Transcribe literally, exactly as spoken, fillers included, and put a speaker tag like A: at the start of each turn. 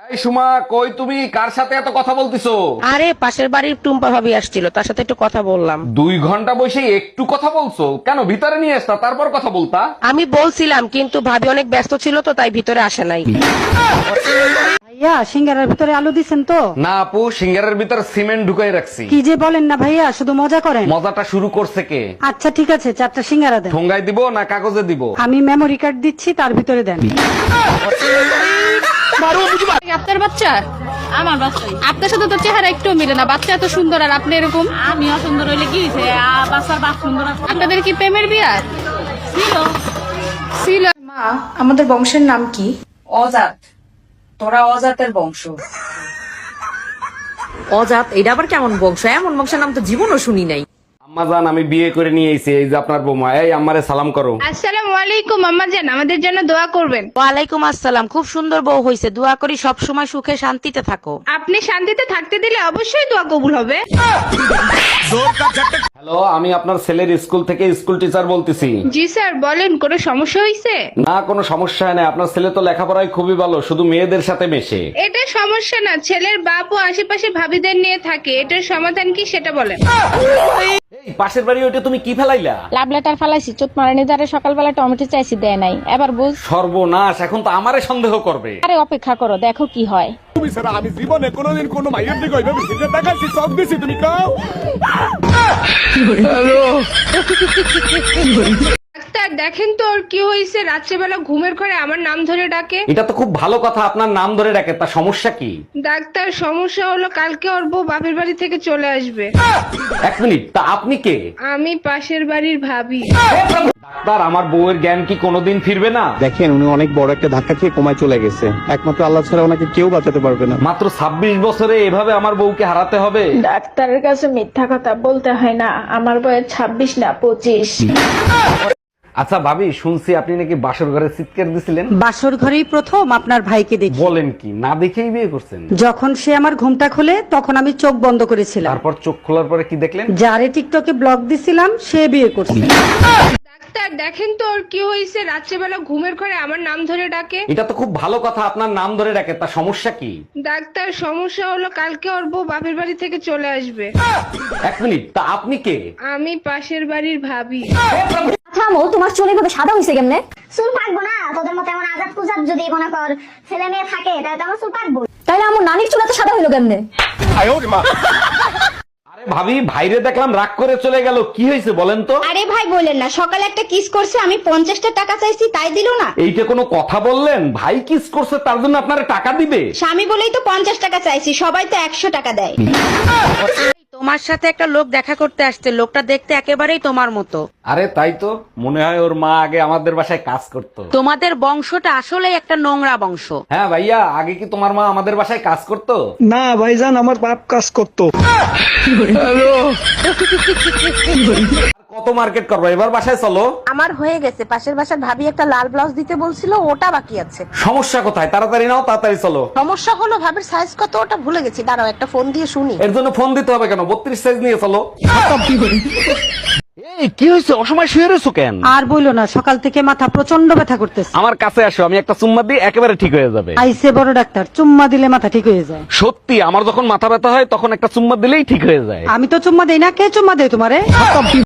A: এই সুমা, কই তুমি? কার সাথে এত কথা বলতিছো?
B: আরে পাশের বাড়ির টুম্পা ভাবি আসছিল, তার সাথে একটু কথা বললাম।
A: দুই ঘন্টা বসে একটু কথা বলছো কেন? ভিতরে নিয়ে আসতা, তারপর কথা বলতা।
B: আমি বলছিলাম, কিন্তু ভাবি অনেক ব্যস্ত ছিল তো, তাই ভিতরে আসে নাই।
C: ভাইয়া সিঙ্গারার ভিতরে আলু দিছেন তো?
A: না আপু, সিঙ্গারের ভিতর সিমেন্ট ঢুকাই রাখছি।
C: কি যে বলেন না ভাইয়া, শুধু মজা করেন।
A: মজাটা শুরু করছে কে?
C: আচ্ছা ঠিক আছে, চারটা সিঙ্গারা দেন।
A: ঠোঙ্গায় দিব না কাগজে দিব?
C: আমি মেমোরি কার্ড দিচ্ছি, তার ভিতরে দেন।
D: আপনার বাচ্চা? আমার বাচ্চা। আপনার সাথে তো চেহারা একটু মিলে না, বাচ্চা এত সুন্দর আর আপনি এরকম। আমি অসুন্দর হইলে কি হয়েছে? বাচ্চার বাপ সুন্দর। আপনাদের কি প্রেমের বিয়া ছিল? ছিল।
E: মা, আমাদের বংশের নাম কি?
F: অজাত। তোরা অজাতের বংশ।
G: অজাত? এটা আবার কেমন বংশ? এমন বংশের নাম তো জীবনও শুনি নাই।
A: আম্মা জান, আমি বিয়ে করে নিয়ে এসেছি, এই যে আপনার বৌমা। এই আম্মারে সালাম করো।
D: আসসালামু আলাইকুম আম্মা জান, আমাদের জন্য দোয়া করবেন।
B: ওয়ালাইকুম আসসালাম। খুব সুন্দর বউ হয়েছে, দোয়া করি সব সময় সুখে শান্তিতে থাকো।
D: আপনি শান্তিতে থাকতে দিলে অবশ্যই দোয়া কবুল হবে।
A: হ্যালো, আমি আপনার ছেলের স্কুল থেকে স্কুল টিচার বলতেছি।
D: জি স্যার বলেন, কোনো সমস্যা হয়েছে?
A: না, কোনো সমস্যা নেই। আপনার ছেলে তো লেখাপড়ায় খুবই ভালো, শুধু মেয়েদের সাথে মেশে।
D: এটা সমস্যা না, ছেলের বাপ ও আশেপাশে ভাবিদের নিয়ে থাকে। এটার সমাধান কি সেটা বলেন।
A: এই পাশের বাড়ি ওইটা তুমি কি ফেলাইলা?
H: লাভ লেটার ফালাইছি, চোট মারানি দ্বারে সকালবেলা টমেটো চাইছি, দেয় নাই। এবার বুঝ।
A: সর্বনাশ, এখন তো আমারে সন্দেহ করবে।
H: আরে অপেক্ষা করো, দেখো কি হয়।
I: আমি জীবনে কোনোদিন কোনো মাইয়ের দিকে ওইভাবে সিগারেট দেখাচ্ছি, সব দিছি, তুমি কাও।
D: ডাক্তার দেখেন তো ওর কি হয়েছে, রাত্রেবেলা ঘুমের ঘরে আমার নাম ধরে ডাকে।
A: এটা তো খুব ভালো কথা, আপনার নাম ধরে ডাকে, তা সমস্যা কি?
D: ডাক্তার সমস্যা হলো কালকে ওর বউ বাপের বাড়ি থেকে চলে আসবে।
A: এক মিনিট, তা আপনি কে?
D: আমি পাশের বাড়ির ভাবি।
A: ডাক্তার, আমার বউয়ের জ্ঞান কি কোনোদিন ফিরবে না?
J: দেখেন, উনি অনেক বড় একটা ধাক্কা খেয়ে কোমায় চলে গেছে। একমাত্র আল্লাহ ছাড়া ওনাকে কেউ বাঁচাতে পারবে না।
A: মাত্র ছাব্বিশ বছরে এভাবে আমার বউকে হারাতে হবে?
H: ডাক্তারের কাছে মিথ্যা কথা বলতে হয় না, আমার বয়স ছাব্বিশ না পঁচিশ।
A: আচ্ছা ভাবি, শুনছি আপনি নাকি বাসর ঘরে চিৎকার দিছিলেন।
C: বাসর ঘরেই প্রথম আপনার ভাইকে দেখি।
A: বলেন কি? না দেখেই বিয়ে করছেন?
C: যখন সে আমার ঘুমটা খোলে তখন আমি চোখ বন্ধ করেছিলাম।
A: তারপর চোখ খোলার পরে কি দেখলেন?
C: যারে টিকটকে ব্লক দিছিলাম সে বিয়ে করছে।
D: ডাক্তার দেখেন তো ওর কি হয়েছে, রাত্রেবেলা ঘুমের ঘরে আমার নাম ধরে ডাকে।
A: এটা তো খুব ভালো কথা, আপনার নাম ধরে ডাকে, তা সমস্যা কি?
D: ডাক্তার সমস্যা হলো কালকে ওর বউ বাপের বাড়ি থেকে চলে আসবে।
A: এক মিনিট, তা আপনি কে?
D: আমি পাশের বাড়ির ভাবি।
K: থামো, তোমার চুল এভাবে সাদা হয়েছে কেমনে? চুল পাকবো না, তোদের মতো এমন আজাদ কুজাব যদি মনে কর ছেলে মেয়ে থাকে তাহলে তো আমার চুল পাকবো। তাইলে আমার নানির চুল এত সাদা হইলো কেমনে?
A: আরে ভাবি, ভাইরে দেখলাম রাগ করে চলে গেল, কি হয়েছে বলেন তো?
K: আরে ভাই বললেন না, সকালে একটা কিস করছে, আমি পঞ্চাশটা টাকা চাইছি তাই দিল না।
A: এইটা কোনো কথা বললেন? ভাই কিস করছে তার জন্য আপনারা টাকা দিবে?
K: স্বামী বলেই তো পঞ্চাশ টাকা চাইছি, সবাই তো একশো টাকা দেয়।
B: তোমার সাথে একটা লোক দেখা করতে আসছে, লোকটা দেখতে একেবারেই তোমার মতো।
A: আরে তাই তো, মনে হয় ওর মা আগে আমাদের বাসায় কাজ করতো।
B: তোমাদের বংশটা আসলে একটা নোংরা বংশ।
A: হ্যাঁ ভাইয়া, আগে কি তোমার মা আমাদের বাসায় কাজ করতো?
J: না ভাইজান, আমার বাপ কাজ করতো।
A: কত মার্কেট করবো, এবার বাসায় চলো।
B: আমার হয়ে গেছে, পাশের বাসার ভাবি একটা লাল ব্লাউজ দিতে বলছিল, ওটা বাকি আছে।
A: সমস্যা কোথায়? তাড়াতাড়ি নাও, তাড়াতাড়ি চলো।
B: সমস্যা হলো ভাবির সাইজ কত ওটা ভুলে গেছি, দাঁড়াও একটা ফোন দিয়ে শুনি।
A: এর জন্য ফোন দিতে হবে কেন? বত্রিশ সাইজ নিয়ে চলো। এই কি হয়েছে? অসময় শুয়ে রয়েছো কেন?
C: আর বইলো না, সকাল থেকে মাথা প্রচন্ড ব্যথা করতেছে।
A: আমার কাছে আসো, আমি একটা চুম্মা দিই, একেবারে ঠিক হয়ে যাবে।
C: আইসে বড় ডাক্তার, চুম্মা দিলে মাথা ঠিক হয়ে যায়।
A: সত্যি, আমার যখন মাথা ব্যথা হয় তখন একটা চুম্মা দিলেই ঠিক হয়ে যায়।
C: আমি তো চুম্মা দেই না, কে চুম্মা দেয় তোমারে?